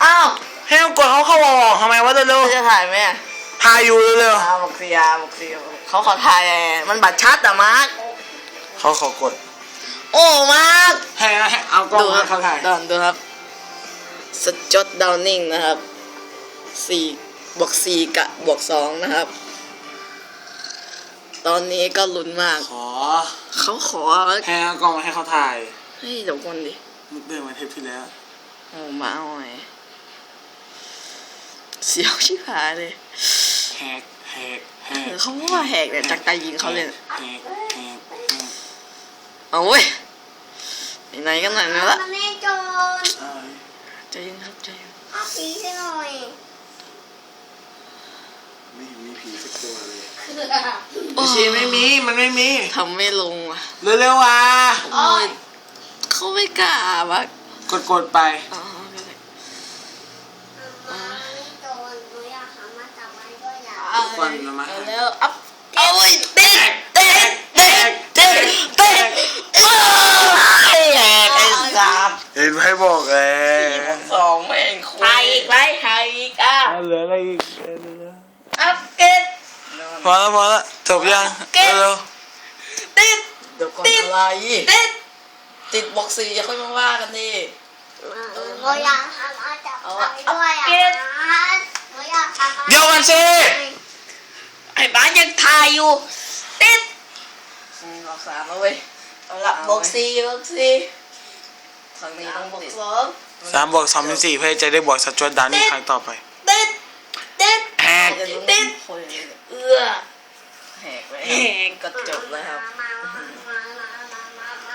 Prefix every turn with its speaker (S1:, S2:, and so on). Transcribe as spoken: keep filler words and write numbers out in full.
S1: อ้าว
S2: ให้เรากดเขาเข้าออกทำไมวะเร็ว
S1: จะถ่ายไหม
S2: ๆถ่ายอยู่เร็ว
S1: อาบอกซีอาบอกซีเขาขอถ่ายไงมันบัตรชัดอะมาร์ค
S2: ๆเขาขอกด
S1: โอ้มาร์ค
S2: ให้เอากล้อง
S1: ดูค
S2: มา
S1: รับ
S2: เขาถ่าย
S1: ดอนดูครับสจอตดาวนิงนะครับสี่บวกสี่กะบวกสองนะครับ ตอนนี้ก็ลุ้นมาก
S2: ขอ
S1: เขาขอ
S2: ให้เอากล้องมาให้เขาถ่าย
S1: เฮ้ยเดี๋ยวก่อนดิ
S2: มุกเดินมาเทปที่แล้ว
S1: โอ้มาเอาไงเสียวชิบหายเลย
S2: แฮกแฮกแฮก
S1: เขาว่าแหกเนี่ยจากตายิงเขาเลย
S2: แฮกแฮกแฮก
S1: เอาเว้ยไหนๆกันหน่อยนะละ
S3: มันไม่โจร
S2: เอ้ย
S1: ใจเย็นครับใจเย็น
S3: เอาผีให้หน่อย
S2: ไม่เห็นมีผีสักตัวเลย
S1: โอ้
S2: ชีไม่มีมันไม่มี
S1: ทำไม่ลงว่ะ
S2: เร็วๆอ่ะ
S1: โอ้ยเขาไม่กล้าว่ะ
S2: กดกดไป
S1: อ๋อก็ได้
S3: มันไม่โจรหนูอยากหามาจับมันก็อยาก
S1: เอา
S2: ฟันมามา
S1: เอาแล้วอัพเอาเว้ยเด็กเด็กเด็กเด็กเด็กโอ้ยแหกไอ้สาม
S2: เห็นไหมบอกเลย
S1: สองแม่งคุยถ่ายอีกไรถ่ายอีกอ่ะ
S2: เหลืออะไรอีก
S1: อัพเกต
S2: พอแล้วพอแล้วจบยังเร็ว
S1: ติดเดี๋ยวก่อนอะไรติดติดบอกสี่อย่าค่อยมาว่ากันดิ
S3: หนูอยากหามาจับมันด้วยอ่ะหนูอยากหามา
S2: ๆเดี๋ยวกันสิ
S1: ไอ้บ้านยังถ่ายอยู่ติดบอกสามแล้วเว้ยเอาละบอกสี่บอกสี่ครั้งนี้ต้องบอกสอง
S2: สามบวกสองเป็นสี่เพื่อจะได้บวกสจวตดานี่ครั้งต่อไป
S1: ติดติด
S2: แฮก
S1: ติดเอื้อแหกไปแหกก็จบแล้วครับ
S3: มา